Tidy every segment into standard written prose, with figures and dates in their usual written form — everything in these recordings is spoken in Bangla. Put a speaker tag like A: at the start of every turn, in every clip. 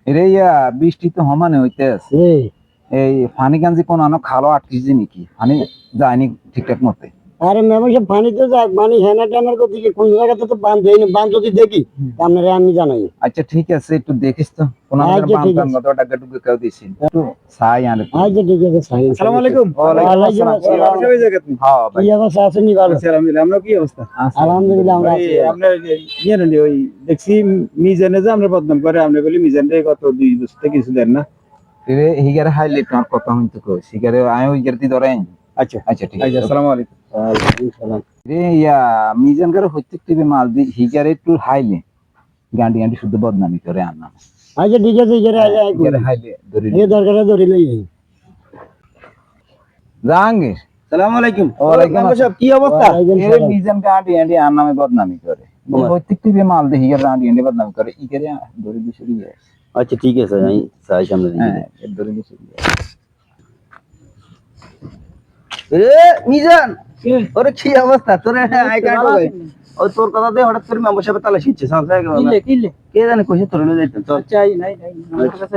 A: এরে ইয়া বৃষ্টি তো সমানে হইতে আছে এই পানি গাঞ্জি কোন আনো খালো আটকিছে নাকি পানি যায়নি ঠিকঠাক মতে
B: আরে মেমো সব পানি তো যাক পানি হেনা টেনার কথা কি কোন জায়গাতে তো বাঁধ দেয়নি বাঁধ যদি দেখি আপনারে আমি জানাই।
A: আচ্ছা ঠিক আছে একটু দেখিস তো কোন
B: আচ্ছা, ঠিক আছে।
A: মতো টাকা টুকু কেউ দিছি একটু সাই আনে
B: আচ্ছা ঠিক আছে সাইন।
C: আসসালামু আলাইকুম।
B: ওয়ালাইকুম আসসালাম।
C: সবাই জায়গাতে
A: হ্যাঁ ভাই
B: কি অবস্থা আছেন ভালো?
C: আলহামদুলিল্লাহ। আমরা কি অবস্থা?
B: আলহামদুলিল্লাহ আমরা আছি।
C: আপনার ইয়ে নেই ওই দেখছি মিজানে যে আমরা বদনাম করে আমরা বলি মিজান রে কত 2 বছর থেকে কিছু দেন না।
A: রে হিগারে হাইলে তোমার কথা হইতো কই সিগারে আয় হিগারে দি ধরেন
C: আচ্ছা
A: আচ্ছা ঠিক
C: আচ্ছা,
A: আছে
C: আসসালামু আলাইকুম।
B: ওয়ালাইকুম সালাম।
A: রে ইয়া মিজান করে হইতে টিভি মাল দি হিগারে একটু হাইলে গান্ডি গান্ডি শুদ্ধ বদনামি করে আনা
B: আচ্ছা ঠিক আছে ইজারে
A: হিগারে হাইলে ধরে
B: এই দরকারে ধরে লই।
A: জাহাঙ্গীর
C: আসসালামু আলাইকুম।
A: ওয়ালাইকুম
C: আমরা সব কি অবস্থা?
B: ওয়ালাইকুম
A: এর
B: সালাম।
A: মিজান গান্ডি গান্ডি আর নামে বদনামি করে হইতে টিভি মাল দি হিগারে গান্ডি গান্ডি বদনামি করে ইগারে ধরে দি শুরু হয়
B: আচ্ছা ঠিক আছে আমি সাই সামনে দিই।
A: হ্যাঁ ধরে দি শুরু
B: এ মিজান ওরে কি অবস্থা তোর আই কার্ড হবে ও তোর কথাতে হঠাৎ করে মেম্বারশিপে তালা শিখছে সংসার
C: কিলে
B: কে জানে কইছে তোর লই যাইতেন চল।
C: চাই নাই নাই আমার কাছে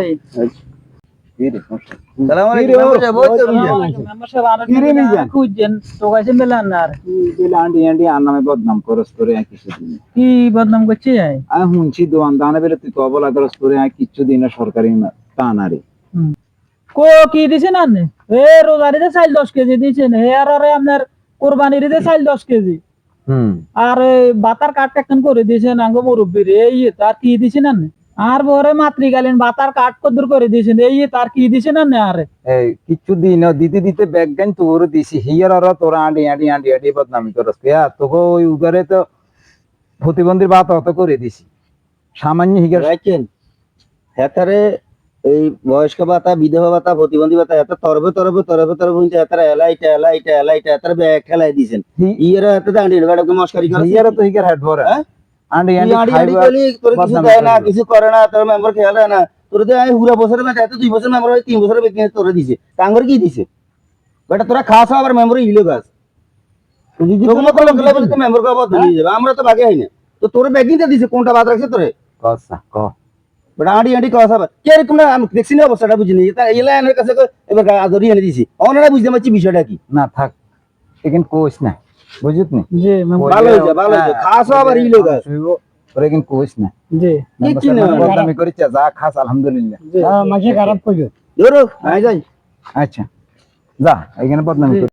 B: সালাম আলাইকুম মেম্বারশিপ ওই তো মিজান।
C: আমার সব আর খুঁজেন তো কাছে মেলান না আর
A: আন্ডি আন্ডি আর নামে বদনাম করস করে আর কিছু দিন
C: কি বদনাম করছে যায়
A: আমি শুনছি দোয়ান দানে বেলে তুই তো অবলা করস করে আর কিছু দিন সরকারি তা না রে
C: কো কি দিছেন আপনি এ রোজারিতে চাল 10 কেজি দিছেন হে আর আরে আপনার কুরবানিতে চাল 10 কেজি আর বাতার কাট কাটন করে দিয়েছেন আঙ্গ মুরব্বীর এই তার কি দিছেন আপনি আর বরে মাতৃকালীন বাতার কাট কদ্দুর করে দিয়েছেন এই তার কি দিছেন আপনি আরে
A: এই কিছু দিন দিতে দিতে ব্যাগ গান তোর দিছি হিয়ার আর তোরা আন্ডি আন্ডি আন্ডি আন্ডি বদনামি করস কে তোকে ওই উগারে তো প্রতিবন্ধীর বাত অত করে দিছি সামান্য হিগার
B: রাখেন হেতারে এই বয়স্ক ভাতা বিধবা ভাতা প্রতিবন্ধী ভাতা এত তরবে তরবে তরবে তরবে হইছে হেতারে এলাইটা এলাইটা এলাইটা হেতারে ব্যাগ খেলাই দিছেন ইয়েরা হেতে দাঁড়িয়ে বেড়াকে মস্কারি করে
A: হিয়ার তো হিগার হেড ভরে আন্ডি আন্ডি
B: আড়ি আড়ি
A: খাইবা
B: কলি তোর কিছু দেয় না কিছু করে না তোর মেম্বার খেয়াল রাখে না তোর তো আমি পুরো বছরের বেটা এত 2 বছর মেম্বার হয় 3 বছরের বেতন তোরে দিছে টাঙ্গর কি দিছে বেটা তোরা খাস আবার মেম্বার ইলো গাছ তোগুলো তো লাগলে বলে তো মেম্বার কবা ধরে যাবে আমরা তো বাকি হয় না তো তোর ব্যাগিংটা দিছে কোনটা বাদ রাখছে তোরে
A: কসা ক
B: বেটা আড়ি আড়ি কথা আবার কে রে তোমরা আমি দেখছি না অবস্থাটা বুঝিনি তা এলা এর কাছে এবার আদরি এনে দিছি ওনারা বুঝতে পারছি বিষয়টা কি
A: না থাক এখান কোস না বুঝত নি
C: জি
B: ভালো হইছে ভালো হইছে খাস আবার ইলো গাছ
A: ওরে কিন্তু কোস না
C: জি
B: কি না
A: বদনামি করিছে যা খাস আলহামদুলিল্লাহ
B: মাঝে খারাপ কইছো ধরো আই যাই
A: আচ্ছা যা এখানে বদনামি